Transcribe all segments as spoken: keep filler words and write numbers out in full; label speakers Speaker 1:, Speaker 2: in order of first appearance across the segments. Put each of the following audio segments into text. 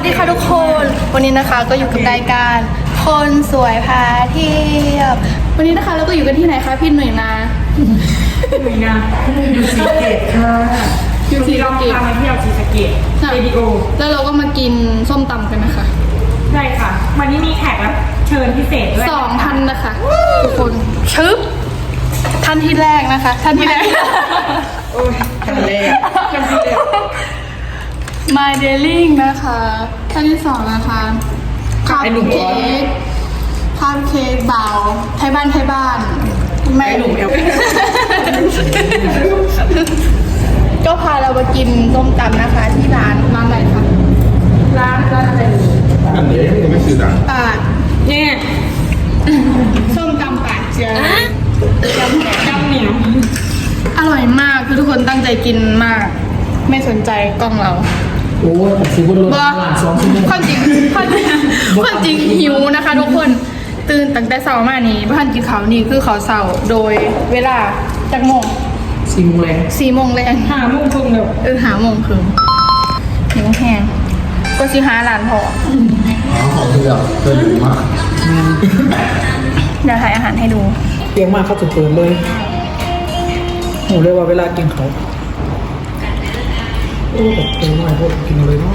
Speaker 1: สดีค่ะทุกคนวันนี้นะคะก็อยู่กับรายการคนสวยพาเที่ยววันนี้นะคะเราก็อยู่กันที่ไหนคะพี่หนุ่ยนา
Speaker 2: หนุ่ยนาอยู่สีเกตค่ะอยู่ที่เราพามาเที่ยวสีสะเกตเรดิโอ
Speaker 1: แล้วเราก็มากินส้มตำกันนะคะ
Speaker 2: ใช่ค่ะวันนี้มีแขกรับเชิญพิเศษด้วย
Speaker 1: สองท่านนะคะทุกคนชึบท่านที่แรกนะคะท่านที่แรก
Speaker 2: โอ้ยท่านแรกท่านที่แรก
Speaker 1: My Darling นะคะท่านที่สองนะคะคัพเค้กคัพเค้กเบาไทยบ้านไทยบ้าน
Speaker 2: ไม่หนุ่มเอล
Speaker 1: ก็พาเรามากินส้มตำนะคะที่ร้านร้านอะไรคะร้านร้านอะไร
Speaker 3: อันนี้ยังไม่ซื้อดัง
Speaker 1: ปาดเนี่ยส้มตำปาดเจียวจำแหนจำเหนียวอร่อยมากคือทุกคนตั้งใจกินมากไม่สนใจกล้องเรา
Speaker 4: โอ้ยสิบวันรถหลานสองชั่วโมง
Speaker 1: ความจริงความจริงความจริงหิวนะคะทุกคนตื่นตั้งแต่เช้ามานี้บ้านกินข้าวนี่คือข้าวเช้าโดยเวลาจากโมง
Speaker 4: สี่โมงแรง
Speaker 1: สี่โมงแรง
Speaker 2: ห้าโมงครึ่งเดียว
Speaker 1: เออห้าโมงครึ่งหิวแห้งก็ชิหาหลานพอ
Speaker 3: อ๋อของเพื่อนเพื่อนดีมาก
Speaker 1: เดี๋ยวถ่ายอาหารให้ดู
Speaker 4: เตียงมากเขาจุดเปิดเลยหนูเลยว่าเวลากินเขาโอ้แบบเต็มมากพวกกินเลยเนาะ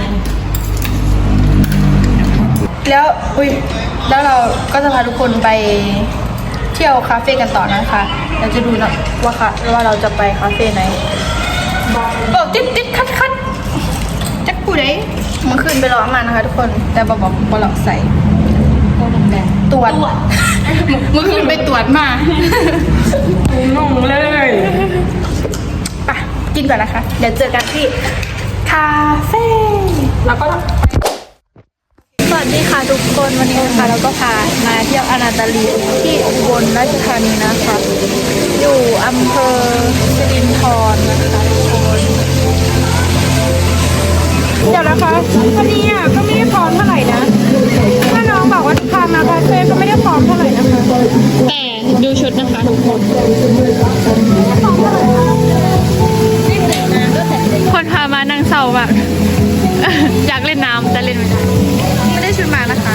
Speaker 1: แล้วอุ้ยแล้วเราก็จะพาทุกคนไปเที่ยวคาเฟ่กันต่อนะคะเราจะดูนะว่าค่ะว่าเราจะไปคาเฟ่ไหนบอกติดติดคัดคัดจักผู้ใดมันขึ้นไปรอมานะคะทุกคนแต่บอกบอกบอลล็อกใส่ตรวจมันขึ้นไปตรวจมา
Speaker 2: งงเลย
Speaker 1: ไปกินก่อนนะคะเดี๋ยวเจอกันที่คาเฟ่แล้วก็สวัสดีค่ะทุกคนวันนี้นะคะเราก็พามาเที่ยวอนาตาลีที่อุบลราชธานีนะคะอยู่อำเภอสิรินธรนะคะทุกคนเดี๋ยวนะคะวันนี้อ่ะก็ไม่ได้พร้อมเท่าไหร่นะถ้าน้องบอกว่าพามาคาเฟ่ก็ไม่ได้พร้อมเท่าไหร่นะคะแต่ดูชุดนะคะทุกคนคนพามานางเศร้าแบบอยากเล่นน้ำแต่เล่นไม่ได้ไม่ได้ชุดมานะคะ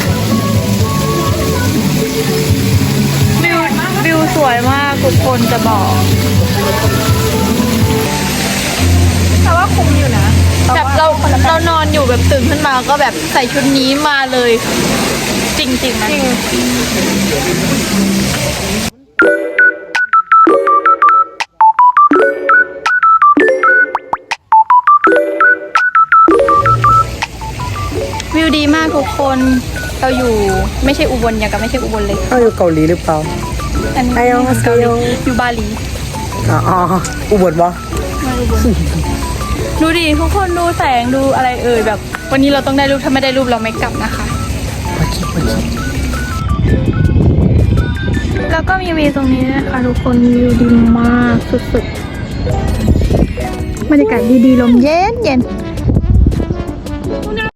Speaker 1: วิววิวสวยมากทุกคนจะบอกแต่ว่าคุ้มอยู่นะแบบเราเรานอนอยู่แบบตื่นขึ้นมาก็แบบใส่ชุดนี้มาเลยจริงจริงนะจริงวิวดีมากทุกคนเราอยู่ไม่ใช่อุบลอย่างกับไม่ใช่อุบลเลย
Speaker 4: เขาอยู่เกาหลีหรือเปล่า
Speaker 1: อันนี้เกาหลีอยู่บาหลี
Speaker 4: อ๋ออุบลปะ
Speaker 1: ไม่อุบลดูดิทุกคนดูแสงดูอะไรเอ่ยแบบวันนี้เราต้องได้รูปถ้าไม่ได้รูปเราไม่กลับนะคะแล้วก็มีวิวตรงนี้นะคะทุกคนวิวดีมากสุดๆบรรยากาศดีๆลมเย็นเย็น